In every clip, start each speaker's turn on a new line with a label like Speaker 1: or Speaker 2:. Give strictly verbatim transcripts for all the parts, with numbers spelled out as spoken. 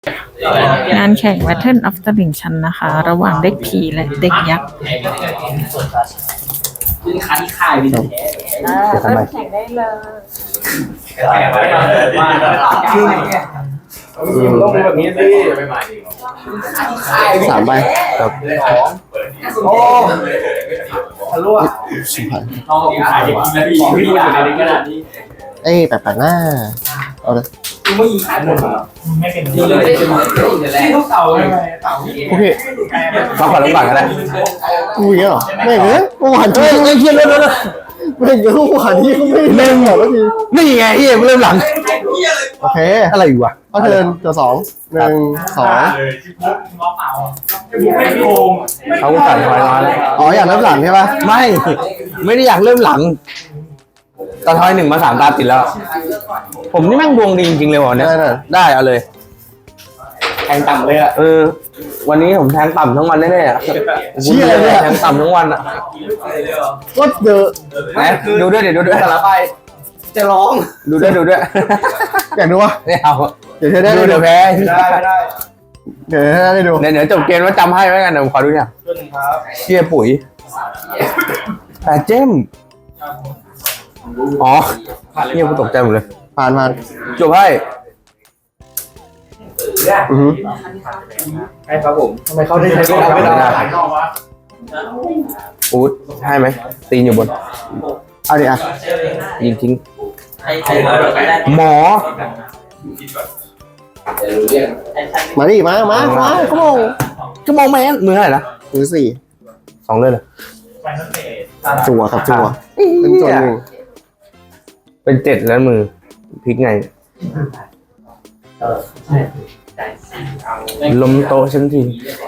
Speaker 1: งานแข่ง Battle of ตลิ่งชันนะคะ ระหว่างเด็กผีและเด็กยักษ์
Speaker 2: ซึ่งคันค่ายวินแท้
Speaker 1: เริ่มแข่งได้เลย
Speaker 3: ต้องเป็นแบบนี้สิสามใบครับโอ้ทะลุอ่ะสุพรรณ
Speaker 2: น้องขายนาทีพี่อยู่ในขนาดนี้
Speaker 3: เอ้ยแปลกๆหน้าเอาเลย
Speaker 2: ไม่ยิงขายหมดไม่เป็นที่เลยที่ทุกเต่าเลย
Speaker 3: โอเคมาขอลงก่อนก็ได้กูอย่างเงี้ยหรอไม่เหรอเมื่อวานเฮ้ยเชี่ยเริ่มแล้วนะไม่เหรอเมื่อวานที่เขาไม่เริ่มหรอกแล้วทีนี่ไงที่เริ่มหลังโอเคอะไรอยู่วะก็เทิร์นตัวสองหนึ่งสองเขาสั่งไว้น้อยแล้วอ๋ออยากเริ่มหลังใช่ปะไม่ไม่ได้อยากเริ่มหลังตอนทอยหนึ่งมาสามตาติดแล้วผมนี่แม่งดวงดีจริงๆเลยวันนี้ได้เอาเลยแทงต่ำเลยอ่ะเออวันนี้ผมแทงต่ำทั้งวันแน่ๆอ่ะเชี่ยเลยแทงต่ำทั้งวันอ่ะก็เดอะนะดูด้วยเดี๋ยวดูด้วยสารไปจะร้องดูด้วยดูด้วยอยากดูวะไม่เอาเดี๋ยวได้ดูเดี๋ยวแพ้ได้ได้เดี๋ยวได้ดูเดี๋ยวจบเกมว่าจำให้ไว้กันเดี๋ยวขอดูเนี่ยเชี่ยปุ๋ยแต่เจมอ๋อเงียบกูตกใจหมดเลยผ่านผ่านจบให้อือฮึใช่ครับผมทำไมเขาได้ใช้กล้องไม่ได้อู๊ดให้ไหมตีนอยู่บนเอาดิอ่ะยิงทิ้งหมอมาดิมามามาก็มองก็มองแมนมือเท่าไหร่นะมือสี่สองเลยเหรอจั่วครับจั่วเป็นจั่วหนึ่งเป็นเจ็ดแล้วมือพลิกไงลมโตฉันที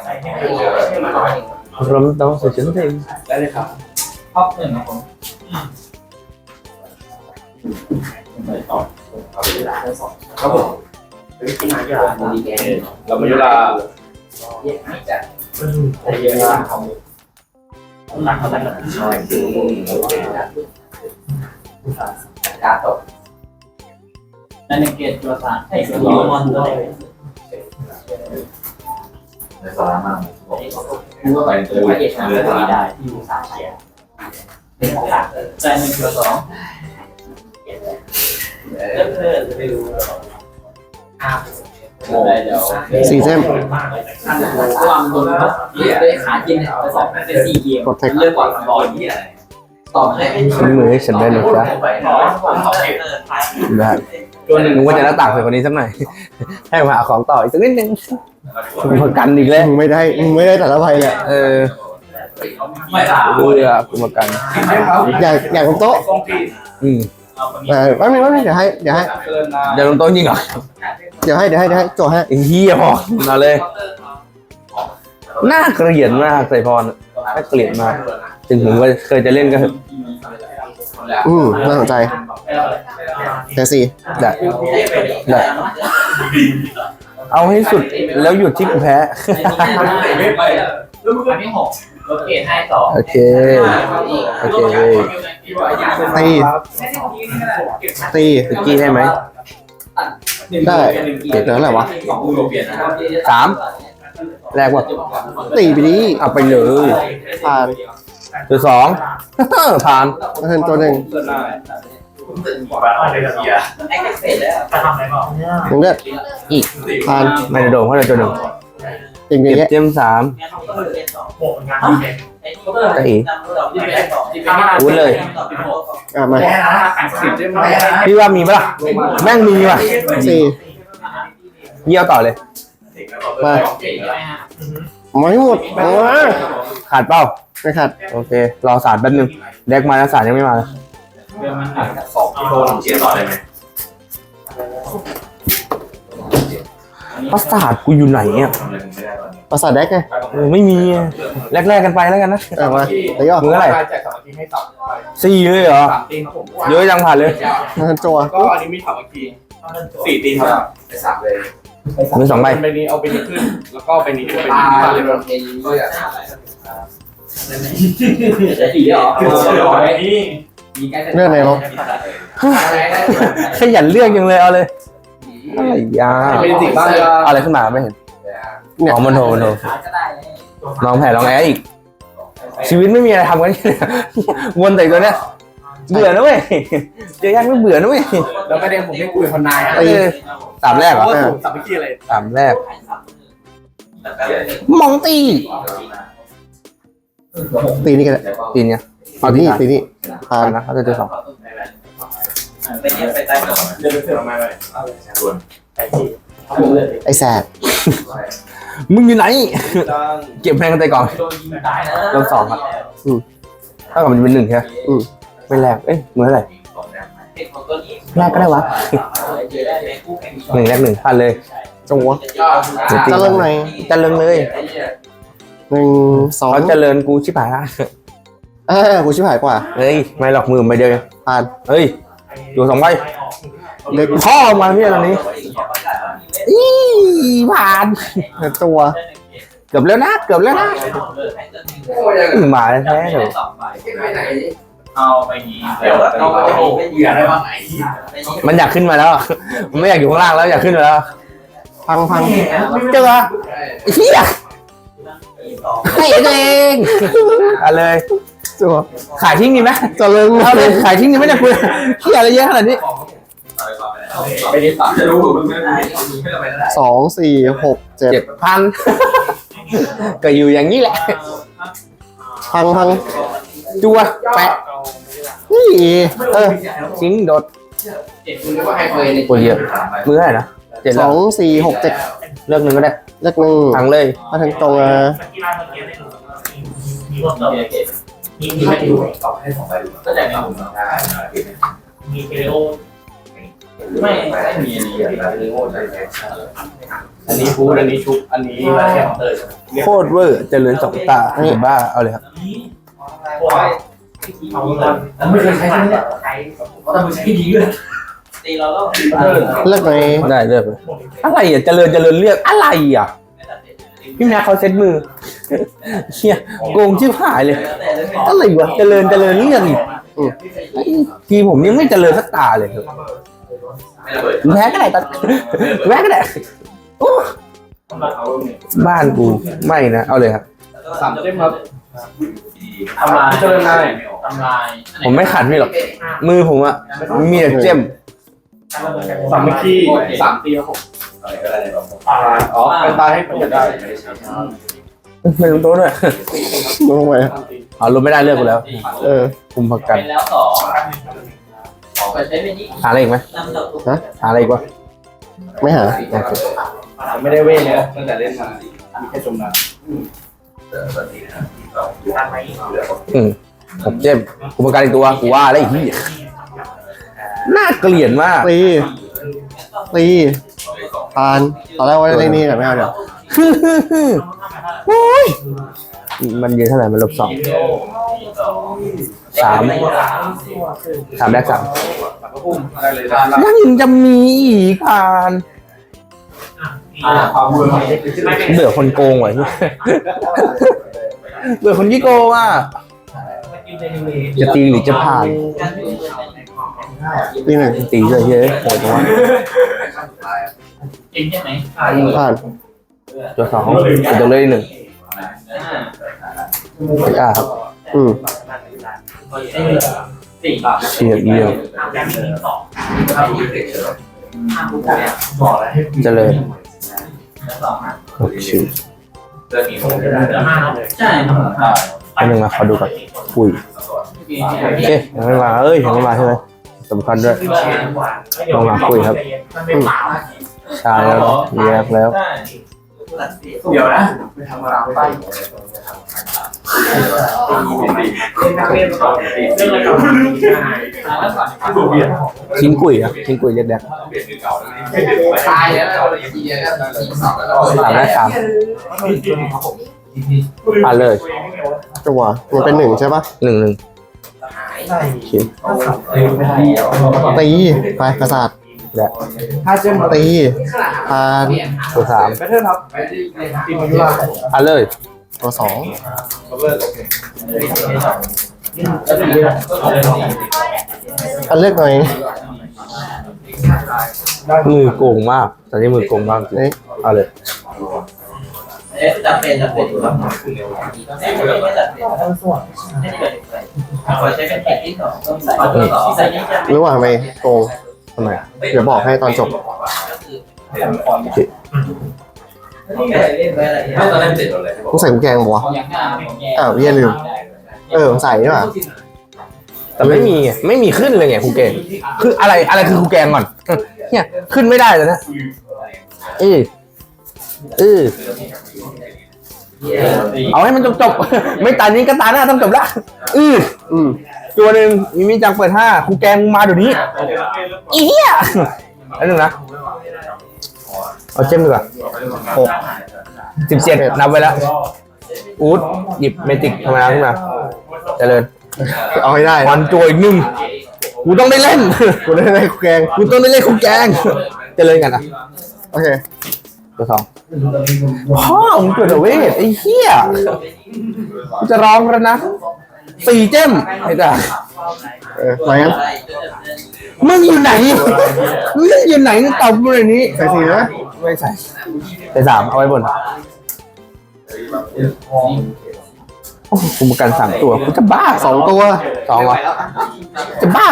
Speaker 3: ลมโตฉันทีได้เลยครับ
Speaker 2: ชอบเงินนะผมครับผมที่มาเวลาดีแกเราไม่เวลาเยอะไม่จัดแต่เยอะมากของหนักเขาหนักน้อยคือการตกนั่นเองเกตตัวสารให้คือยูมอนด้วยในสาระมากคือว่าไปเจอเอกชนไม่ได้ที่อยู่สามเชียร์เป็นของหลักใจหนึ่งตัวสองเริ่มเพิ่มไปดู
Speaker 3: สี่เส้น
Speaker 2: ความโดนด้วยขากินไปสองเป็นสี่เกมเลือกก่อนบอลที่อะไรต่อให้
Speaker 3: ฉันมือให้ฉันได้หรือจ๊ะได้ตัวหนึ่งว่าจะหน้าต่างใส่คนนี้สักหน่อยให้มาหาของต่ออีกสักนิดนึงมึงกันอีกแล้วมึงไม่ได้มึงไม่ได้แต่ละใบแหละเออ
Speaker 2: ไม่ได้
Speaker 3: ดูเลยอ่ะกูมากันอยากอยากลงโต๊ะอืมเออไม่ไม่ไม่เดี๋ยวให้เดี๋ยวให้เดี๋ยวลงโต๊ะจริงเหรอเดี๋ยวให้เดี๋ยวให้เดี๋ยวให้โจให้ไอ้เหี้ยพอมาเลยน่าเกลียดมากใส่พรน่าเกลียดมากถึงผมก็เคยจะเล่นก็อืมน่าสนใจแต่สี่ได้ได้เอาให้สุดแล้วหยุดที่กูแพ้
Speaker 2: อันที่หกรถเกตให้สอง
Speaker 3: โอเคโอเคตีตีตะกี้ได้ไหมได้เกิดอะไรวะสามแรกว่าตีไปดิเอาไปเลยผ่านตัวสองผ่านเพิ่มตัวหนึ่งมึงเลือดอีกผ่านไม่ได้โดนเพราะเราตัวหนึ่งเก็บเจมสามก็อีกพูดเลยอ่ะมาพี่ว่ามีปะล่ะแม่งมีว่ะสี่เยี่ยวต่อเลยมาไม่หมดขาดเปล่าไม่ขาดโอเครอสารแป๊บนึงแดกมาแล้วสารยังไม่มา
Speaker 2: สองโทรเชียร์ต่อได้ไหม
Speaker 3: ประสาทกูอยู่ไหนอ่ะประสาทแดกไงไม่มีแรกๆกันไปแล้วกันนะเอามาแต่ย่อมืออะไรสี่เลยเหรอเยอะจังผ่านเลยจั่ว
Speaker 4: ก็อันนี้มีสามทีสี่ตีครับไปสามเลย
Speaker 3: มือสองใบ
Speaker 4: ไปนี้เอาไปนี้ขึ้นแล้วก็ไปนี้ขึ้นไปนี้เลย
Speaker 2: สี่เหรอ
Speaker 3: เรื่องไหนลบขยันเลือกยังเลยเอาเลยอะไรยา
Speaker 2: เป็นสิ่งบ้าง
Speaker 3: อะไรขึ้นมาไม่เห็นอ๋อมันโทรมันโทรลองแผ่ลองแออีก ชีวิตไม่มีอะไรทำกันเนี่ยวนแต่ตัวเนี้ยเบื่อนะเว้ยเจอยากไม่เบื่อนะเว้ย
Speaker 2: แล้วประเด็นผมไม่คุยคนนาย
Speaker 3: เออสามแรกเหรอ
Speaker 2: สับไปขี้อะไร
Speaker 3: สามแรกมองตี
Speaker 5: ตีนี่กัน
Speaker 3: ตีเนี่ย
Speaker 5: ตีนี่ตีนี่
Speaker 3: ผ่านนะเขาจะเจอสอง
Speaker 4: ไปเดี๋ยวไปใต้ก่อน
Speaker 2: เดินไปเสือมาเลย
Speaker 5: ไอ้แสบ
Speaker 3: มึงอยู่ไหนเก็บแพงกันไปก่อน
Speaker 4: โดนยิงตายนะ
Speaker 3: เริ่มสองครับถ้ากับมันจะเป็นหนึ่งใช่ไหมไม่แรกเอ้ยมือเท่าไหร่
Speaker 4: เป็นของตัวนี้
Speaker 3: แรกก็ได้วะ
Speaker 4: เจอได้ในคู่แข่ง
Speaker 3: หนึ่งแรกหนึ่งผ่านเลย
Speaker 5: จังหวะจะเริ่มไหน
Speaker 3: จะเริงเลย
Speaker 5: หนึ่งสอง
Speaker 3: เขาเจริญกูชิบหายละ
Speaker 5: เออกูชิบหายกว่า
Speaker 3: เฮ้ยไม่หลอกมือไปเดียว
Speaker 5: ผ่าน
Speaker 3: เฮ้ยอยู่สองใบ
Speaker 5: เล็ก
Speaker 3: พ่อมาพี่ตอนนี้อีผ่าน
Speaker 5: ตัว
Speaker 3: เกือบแล้วนะเกือบแล้วนะหมาแท้ๆเถอะ
Speaker 4: เอาไปนี้แล้วเอาไปเหยื่อได้บ้างไง
Speaker 3: มันอยากขึ้นมาแล้วมันไม่อยากอยู่ข้างล่างแล้วอยากขึ้นมาแล้ว
Speaker 5: พังพัง
Speaker 3: เจอเฮียให้ตัวเองเอาเลย
Speaker 5: ตัว
Speaker 3: ขายทิ้งดีไหม
Speaker 5: จะเริ่ม
Speaker 3: เอาเลยขายทิ้งดีไหมเนี่ยคุณเฮียอะไรเยอะขนาดนี้
Speaker 2: ไปนี้ตัดจะรู้
Speaker 5: สองสี่หกเจ็ด
Speaker 3: เจ็ดพันก็อยู่อย่างนี้แหละ
Speaker 5: พังพัง
Speaker 3: จัวแปะ
Speaker 5: นี่เออ
Speaker 3: ทิ้งโดด
Speaker 2: เจ็บคุณว่าใครเคยใน
Speaker 3: โอ้ยเยอะมือเท่าไหร่นะเจ็ด
Speaker 5: ส
Speaker 3: แล้
Speaker 5: อ
Speaker 3: ว
Speaker 5: งสี่หกเจ็ด
Speaker 3: เลือกหนึ่งก็ได้
Speaker 5: เล็กหนึ่ง
Speaker 3: ทั้งเลย
Speaker 5: มาถึงตรงอ่ะ
Speaker 4: มีพวกเติมมีมีไม่ดูก็แต่ไม่มีเทโอไม่ไม่มีอันนี้
Speaker 2: อันนี้ฟูดอันนี้ชุบอันนี้มาแค่เตย
Speaker 3: โคตรเวอร์เจริญสองตาเห็นบ้าเอาเลยครับ
Speaker 2: ไม่เคยใช้ใช่ไหมเนี่ยแต่มึงใช้ดีเลย
Speaker 4: ตีเราแล้ว
Speaker 5: เล็กไหน
Speaker 3: ได้เลือกเลยอะไรอ่ะเจริญเจริญเลือกอะไรอ่ะพี่แม่เขาเซ็ตมือเฮียโกงชิบหายเลยอะไรวะเจริญเจริญเลือกอีกทีผมยังไม่เจริญสักตาเลยครับแพ้ก็ได้ตอนแพ้ก็ได้โอ้บ้านกูไม่นะเอาเลยครับ
Speaker 2: สามเต็มครับ
Speaker 4: ทำลาย
Speaker 2: เจริญนาย
Speaker 4: ทำลาย
Speaker 3: ผมไม่ขัดพี่หรอกมือผมอะมีแต่เจ้ม
Speaker 2: สามเมื่อกี้สามตีแล้วผมอ๋อเป็นตายให้ผมได้
Speaker 3: ไม่ลงโต๊ะด้วย
Speaker 5: ลงไป
Speaker 3: เอาลงไม่ได้เลือกกูแล้ว
Speaker 5: เออ
Speaker 3: คุมพักกัน
Speaker 4: เป็นแล้วสองเปิดใช้เป็นนี้
Speaker 3: หาอะไรอีกไหม
Speaker 4: นำต่อ
Speaker 3: หาอะไรอีกวะ
Speaker 5: ไม่หา
Speaker 2: ไม่ได้เว้ยเลยตั้งแต่เล่นมามีแค่จมน้
Speaker 3: อืมผมเจ้มคุมพักกันอีกตัวกูว่าอะไรอีกที่น่าเกลียดมาก
Speaker 5: ตีตีปานตอนแรกว่าได้นี่แต่ไม่เอาเดี๋ยว
Speaker 3: โอ้ยมันยืนเท่าไหร่มันลบสองสามสามแรกสาม
Speaker 2: ำพุ่มอะไรเลยด้านล่าง
Speaker 3: ยังจะมีอีกผ่าน
Speaker 2: ความมือ
Speaker 3: เบื่อคนโกงว่ะที่เบื่อคนที่โกงอ่ะจะตีหรือจะผ่าน
Speaker 5: ตีหนึ่ง
Speaker 3: ตีเลยเฮ้ยโหดจังวะ
Speaker 4: จริงใช่ไหม
Speaker 5: ผ่าน
Speaker 3: ตัวสองตัวเลยหนึ่งเอกาครับ
Speaker 5: อืม
Speaker 4: สี่
Speaker 3: เชียร์เยี่ยม
Speaker 4: สอง
Speaker 2: บอกแล้วให้
Speaker 3: เจริญ
Speaker 4: สอง
Speaker 3: โอเค
Speaker 4: ใช่ครับ
Speaker 3: อันหนึ่งมาขอดูก่อนอุ้ยโอเคยังไม่มาเอ้ยยังไม่มาใช่ไหมสำคัญด้วยลองมาคุยครับชาแล้วแยกแล้ว
Speaker 2: เดี๋ยวนะไปทำอะไรไป
Speaker 3: ทิ้งกุยครับทิ้งกุยเล็กแดก
Speaker 2: ตายแล้วเราเลยทีเดียวแล้วสองแล้ว
Speaker 3: สามแรกสามผ่านเลย
Speaker 5: จังหวะมันเป็นหนึ่งใช่ปะ
Speaker 3: หนึ่งหนึ่งโอเค
Speaker 5: ตีไปกระสาด
Speaker 3: และ
Speaker 2: ถ้าเจ้า
Speaker 5: ตีปาน
Speaker 3: ตัวสาม
Speaker 2: ไปเถอะครับทีมยุรา
Speaker 3: ผ่านเลย
Speaker 5: ตัวสอง
Speaker 2: เลิกโอเค
Speaker 5: อันเลือกหน่อย
Speaker 3: มือโกงมากตอนนี้มือโกงมากจริง
Speaker 5: นี่
Speaker 3: เอาเลย
Speaker 2: เอ๊ะจะเป็นจะเป็นแบบไม่จะเป็นต้องส่วนไม่เกิดอะไรขอใช้เป็นแผ่นที่สองต้องใส่ใส่นี้จะ
Speaker 5: รู้ว่าทำไมโกง
Speaker 3: ทำไม
Speaker 5: เดี๋ยวบอกให้ตอนจบ
Speaker 2: ไม่เคยเล่นไว้อะไรไม่ตอนแรกเจ็ดเลย
Speaker 5: ต้องใส่กุญแจงบอกวะ
Speaker 2: ของยังห้าของแย่
Speaker 5: อ้าวเยี่ยลืมเออใส่ใช่ป่ะ
Speaker 3: แต่ไม่มีไงไม่มีขึ้นเลยไงครูแกงคืออะไรอะไรคือครูแกงก่อนเนี่ยขึ้นไม่ได้เลยนะเออเออเอาให้มันจบจบๆไม่ตานี้ก็ตาหน้าต้องจบละอือ
Speaker 5: อืม
Speaker 3: ตัวหนึ่งมีมีจังเปิดห้าครูแกงมึงมาเดี๋ยวนี้อีเหี้ยอันหนึ่งนะเอาเจมดีกว่าหกสิบเจ็ดนับไว้แล้วอูดหยิบเมจิกธรรมดาขึ้นมาเจริญ
Speaker 5: เอาให้ได้
Speaker 3: มันตัวอีกหนึ่งกูต้องได้เล่น
Speaker 5: กูได้ได้แกง
Speaker 3: กูต้องได้เล่นครูแกงเจริญกันอ่ะ
Speaker 5: โอเค
Speaker 3: ตัวสองพ่อมึงเกิดเวทไอ้เหี้ยกูจะร้องแล้วนะสี่เจมไอ้จ่า
Speaker 5: เออมายัง
Speaker 3: มึงอยู่ไหนมึงอยู่ไหนตอบกูเลยนี้
Speaker 5: ใส่สีนะ
Speaker 3: ไม่ใส่ใส่สามเอาไว้บนโอ้โหกูมากันสามตัวกูจะบ้า
Speaker 5: สองตัว
Speaker 3: สองเหรอจะบ้า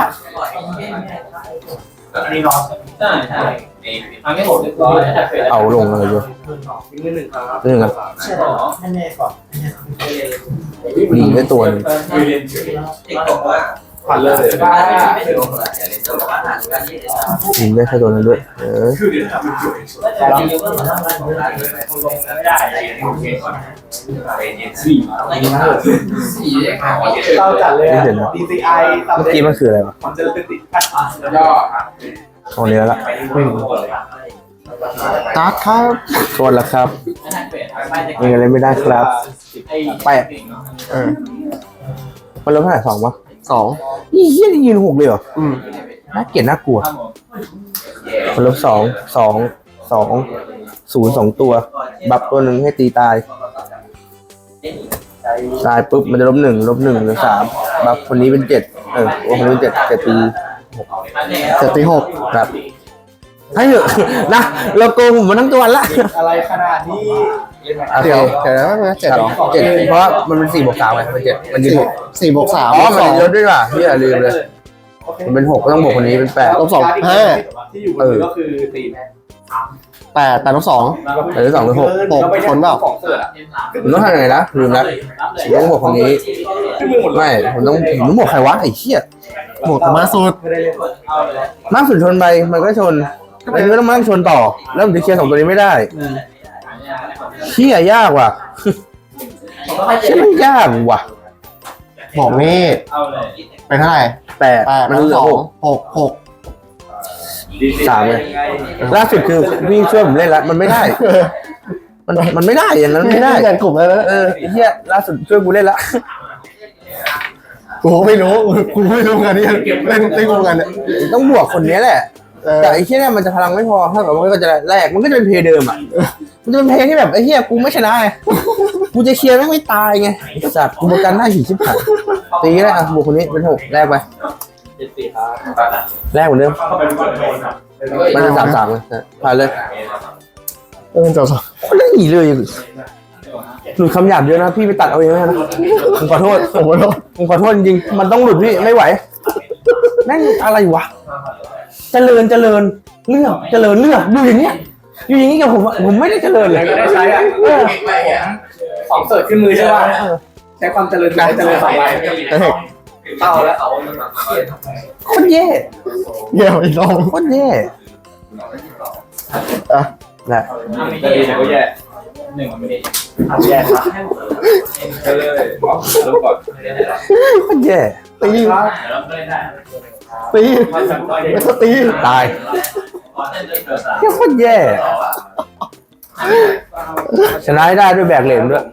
Speaker 4: อันนี้นอน
Speaker 2: ใช่ใช่อันนี้ผมเรียบร้อยจะเป็น
Speaker 3: เอาลงอะไรอยู่
Speaker 2: มือหนึ่งครับ
Speaker 3: เรื่องกัน
Speaker 2: ใช่หรอให้แม่ก่อน
Speaker 3: ดีได้ตัวหนึง
Speaker 2: เด็กบอกว่า
Speaker 4: ผ่านเลย
Speaker 2: บ้าไม่ถึงหรอกแต่เด็กบอกว่าอ่านกันนี่
Speaker 3: ดีได้แค่ตัวนั้นด้วยเออ
Speaker 4: คือเดี๋ยวทำเป็นจุด
Speaker 2: เราเยอะก็เหมือนทำงานของเราเลย
Speaker 4: ไม่ได้โอเคก่อนสี่
Speaker 2: สี่เด็กค่ะ
Speaker 4: เราจัดเลย ดี ซี ไอ
Speaker 3: เมื่อกี้มันคืออะไรวะ
Speaker 4: มันจะเป็นติด
Speaker 2: ย่อ
Speaker 3: ของเนื้อละ
Speaker 4: ไม่รู้เลย
Speaker 5: การ์ดครับ
Speaker 3: โทษแล้วครับ
Speaker 2: ไม่
Speaker 3: ยังอะไรไม่ได้ครับแปะ
Speaker 5: เออ
Speaker 3: มันลดเท่าไหร่สองวะ
Speaker 5: สอง
Speaker 3: ยี่เหี้ยนี่ยืนหกเลยเหรอ
Speaker 5: อืม
Speaker 3: น่าเกลียดน่ากลัวมันลบสองสองสองศูนย์สองตัว บัฟตัวหนึ่งให้ตีตาย ตายปุ๊บมันจะลบหนึ่งลบหนึ่งเหลือสามบัฟคนนี้เป็นเจ็ดเออโอ้คนนี้เป็นเจ็ดเจ็ดตี
Speaker 5: เจ็ดตีหก
Speaker 3: ครับให้เถอะ นะเราโกงผมมาทั้งตัวละ
Speaker 4: อะไรขนาดนี้
Speaker 3: โอเค
Speaker 5: เดี๋ยวเดี๋ยวนะเจ็ดเหรอ
Speaker 3: เจ็ดเพราะว่ามันเป็นสี่บวกสามไงมันเจ็ดมันยืน
Speaker 5: สี่
Speaker 3: หก
Speaker 5: สี่บวกสาม
Speaker 3: อ๋อ
Speaker 5: ลบ
Speaker 3: มัน
Speaker 5: สอง
Speaker 3: ลดด้วยว่ะพี่อย่าลืมเลยมันเป็นหกก็ต้องบวกคนนี้เป็นแปด
Speaker 5: ลบสองห้า
Speaker 4: ที่อยู่บนมือก็คือตีน
Speaker 5: แปดแปดลบสอง
Speaker 3: หรือสองหรือหก
Speaker 5: หกคนเปล่า
Speaker 4: ของเสิร์ฟอะ
Speaker 3: ผมต้องทำยังไงนะลืมละผมต้องบวกคนนี้
Speaker 4: ที่มือหมดเลย
Speaker 3: ไม่ผมต้องผมต้องบวกใครวะไอ้เหี้ย
Speaker 5: บวกมาสุด
Speaker 4: ไม่ได้เล่น
Speaker 3: มากสุดชนไปมันก็ชนอันนี้ก็ต้องมานั่งชนต่อ แล้วผมจะเคลียร์สองตัวนี้ไม่ได้เชี่ยยากว่ะเชี่ยมันยากว่ะ
Speaker 5: บอกนี่
Speaker 4: เอาเลย
Speaker 5: เป็นเท่าไหร่
Speaker 3: แปด
Speaker 5: แปด
Speaker 3: มัน
Speaker 5: ลบ
Speaker 3: เหลื
Speaker 5: ส
Speaker 3: อ
Speaker 5: อง
Speaker 3: หก
Speaker 5: หกหก
Speaker 3: สามเลยล่าสุดคือพี่ช่วยผมเล่นละมันไม่ได้ มันมันไม่ได้อย่างนั้นไม่ได้
Speaker 5: กันกลุ่มแล้วนะ
Speaker 3: เออไอ้เหี้ยล่าสุดช่วยกูเล่นละ
Speaker 5: กูไม่รู้กูไม่รู้กันนี่เล่นเล่นกูกันเนี่ย
Speaker 3: ต้องบวกคนนี้แหละ
Speaker 5: เออ
Speaker 3: แต่ไอ้เหี้ยเนี่ยมันจะพลังไม่พอถ้าแบบมันก็จะแรกมันก็จะเป็นเพลย์เดิมอ่ะมันจะเป็นเพลย์ที่แบบไอ้เหี้ยกูไม่ชนะไงกูจะเคลียร์แม่งไม่ตายไงจัดกูประกันหน้าหีชิบหายตีก็ได้อ่ะบวกคนนี้เป็นหกแรกไป
Speaker 4: เจ็ดสี่ครับ
Speaker 3: แรกเหมือนเดิม
Speaker 4: เข้าไปก่อนเลยครับ
Speaker 3: มันเป็นสามสามเลยนะผ่านเลย
Speaker 5: เออจบสอง
Speaker 3: คนเล่นหนีเลยหลุดคำหยาบเยอะนะพี่ไปตัดเอาเองนะผมขอโทษ
Speaker 5: ผมขอโทษ
Speaker 3: ผมขอโทษจริงๆมันต้องหลุดพี่ไม่ไหวแม่งอะไรวะเจริญเจริญเลือกเจริญเลือกดูอย่างเงี้ยอยู่อย่างงี้กับผมอะผมไม่ได้เจริญเลย
Speaker 4: ได้ใช้อ่ะของเสิร์ฟขึ้นมือใช่ป่ะใช้ความเจริญการเจริญสองใบ
Speaker 5: เฮ้ย
Speaker 4: เข้าแล้ว
Speaker 3: โคตรแย่
Speaker 5: เยี่ยมอีกรอบ
Speaker 3: โคตรแย่
Speaker 5: อ่ะ
Speaker 3: แหละ
Speaker 4: จะดีนะก็แย่หนึ่งไม่ได้แย่ครับไปเลยรู้ก่อน
Speaker 3: โคตรแย่
Speaker 5: ตีตีไม่ต้องตี
Speaker 3: ตายเหี้ยโคตรแย่ชนะให้ได้ด้วยแบกเหรียญด้วย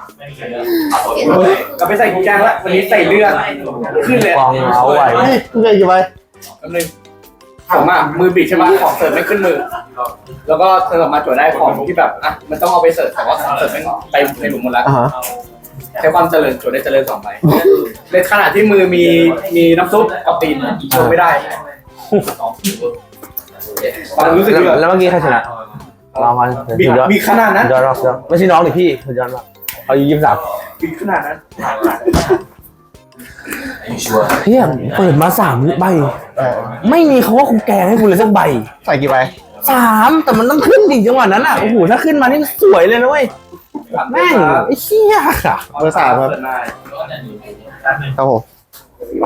Speaker 4: ก็ไปใส่กุญแจแล้ววันนี้ใส่เลือดขึ้นเลย
Speaker 3: กองเอาไว้
Speaker 5: นี่กูเคยกี่ใบ
Speaker 4: แป๊บนึงผมอ่ะมือบิดใช่ไหมของเสิร์ฟไม่ขึ้นมือ แล้วก็เสิร์ฟมาจวดได้ของที่แบบอ่ะมันต้องเอาไปเสิร์ฟแต่ว่าของเสิร์ฟไม่ไปในหลุมหมดแล้ว
Speaker 5: อ่าฮะ
Speaker 4: ใช้ความเจริญจวดได้เจริญสองใบในขณะที่มือมีมีน้ำซุปกับตีนโชว์ไม่ได้รู้สึก
Speaker 3: แล้ว
Speaker 4: แบบ
Speaker 3: แล้วเมื่อกี้ใครชนะเรามา
Speaker 4: บี
Speaker 3: สุดยอด
Speaker 4: บีขนาดนั้น
Speaker 3: สุดยอดรอบสุดยอดไม่ใช่น้องดิพี่สุดยอดมากเอายี่สิบสาม
Speaker 4: บีขนาดนั้น
Speaker 3: เฮียเปิดมาสามใบ
Speaker 5: เออ
Speaker 3: ไม่มีคำว่าคุณแกงให้คุณเลยสักใบ
Speaker 5: ใส่กี่ใบ
Speaker 3: สามแต่มันต้องขึ้นดิจังหวะนั้นอ่ะโอ้โหถ้าขึ้นมานี่สวยเลยนะเว้ยแม่งไอ้เหี้ย
Speaker 5: เบอร์สามครับครับผม